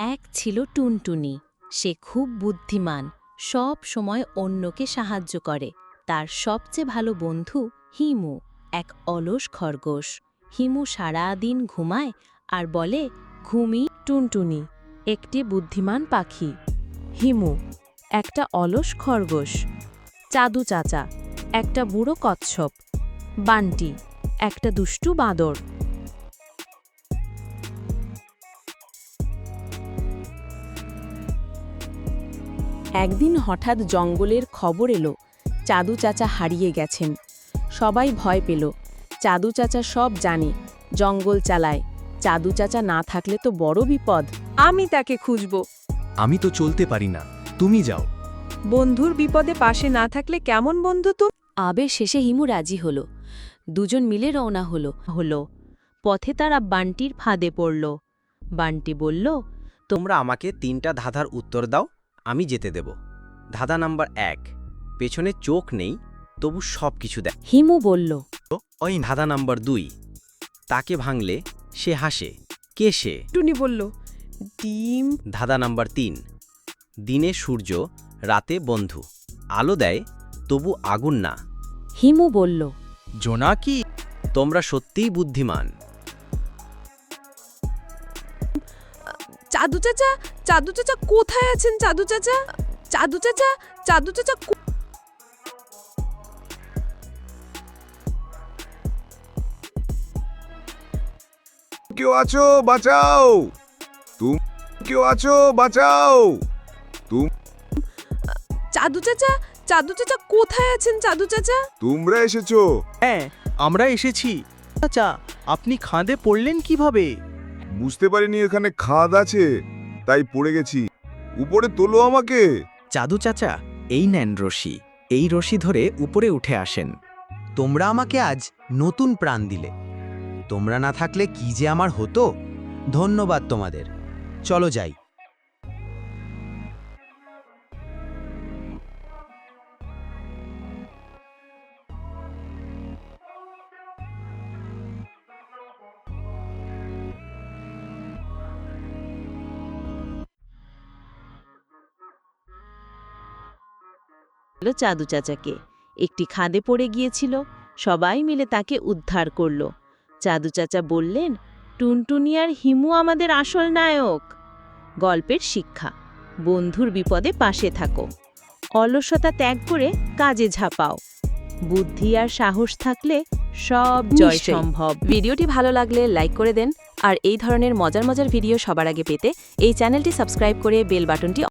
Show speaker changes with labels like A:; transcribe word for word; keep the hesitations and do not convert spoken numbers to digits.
A: এক ছিল টুনটুনি। সে খুব বুদ্ধিমান, সব সময় অন্যকে সাহায্য করে। তার সবচেয়ে ভালো বন্ধু হিমু, এক অলস খরগোশ। হিমু সারাদিন ঘুমায় আর বলে, ঘুমি।
B: টুনটুনি একটি বুদ্ধিমান পাখি। হিমু একটা অলস খরগোশ। চাদু চাচা একটা বুড়ো কচ্ছপ। বান্টি একটা দুষ্টু বাঁদর। একদিন হঠাৎ জঙ্গলের খবর এলো চাদু চাচা হারিয়ে গেছেন। সবাই ভয় পেল। চাদু চাচা সব জানে, জঙ্গল চালায়। চাদু চাচা না থাকলে তো বড় বিপদ।
C: আমি তাকে খুঁজব।
D: আমি তো চলতে পারি না, তুমি যাও।
C: বন্ধুর বিপদে পাশে না থাকলে কেমন বন্ধু তো?
A: আবের শেষে হিমু রাজি হলো। দুজন মিলে রওনা হলো হলো পথে তারা বান্টির ফাঁদে পড়ল। বান্টি বলল,
E: তোমরা আমাকে তিনটা ধাঁধার উত্তর দাও, আমি যেতে দেব। ধাঁধা নাম্বার এক, পেছনে চোখ নেই তবু সব কিছু দেয়।
A: হিমু বলল,
E: ওই ধাঁধা নাম্বার দুই, তাকে ভাঙলে সে হাসে, কে সে?
C: টুনি বলল, ডিম।
E: ধাঁধা নাম্বার তিন, দিনে সূর্য, রাতে বন্ধু, আলো দেয় তবু আগুন না।
A: হিমু বলল,
D: জোনাকি।
E: তোমরা সত্যিই বুদ্ধিমান।
C: চাদু চাচা, চাদু চাচা কোথায় আছেন? চাদু চাচা, চাদু চাচা, চাদু চাচা।
F: কেউ আছো বাঁচাও, তুমি কেউ আছো বাঁচাও।
C: চাদু চাচা, চাদু চাচা কোথায় আছেন? চাদু চাচা।
F: তোমরা এসেছো?
D: হ্যাঁ, আমরা এসেছি। চাচা, আপনি খাদে পড়লেন কিভাবে?
F: বুঝতে পারিনি এখানে খাদ আছে, তাই পড়ে গেছি। উপরে তোলো আমাকে।
G: চাদু চাচা, এই নেন রশি। এই রশি ধরে উপরে উঠে আসেন। তোমরা আমাকে আজ নতুন প্রাণ দিলে। তোমরা না থাকলে কি যে আমার হতো। ধন্যবাদ তোমাদের। চলো যাই।
A: চাদু চাচাকে। একটি খাদে পড়ে গিয়েছিল, সবাই মিলে তাকে উদ্ধার করল। চাদু চাচা বললেন, টুনটুনি আর হিমু আমাদের আসল নায়ক। গল্পের শিক্ষা: বন্ধুর বিপদে পাশে থাকো, অলসতা ত্যাগ করে কাজে ঝাঁপাও, বুদ্ধি আর সাহস থাকলে সব জয়
B: নিশ্চয়ই।
A: সম্ভব।
B: ভিডিওটি ভালো লাগলে লাইক করে দেন, আর এই ধরনের মজার মজার ভিডিও সবার আগে পেতে এই চ্যানেলটি সাবস্ক্রাইব করে বেল বাটনটি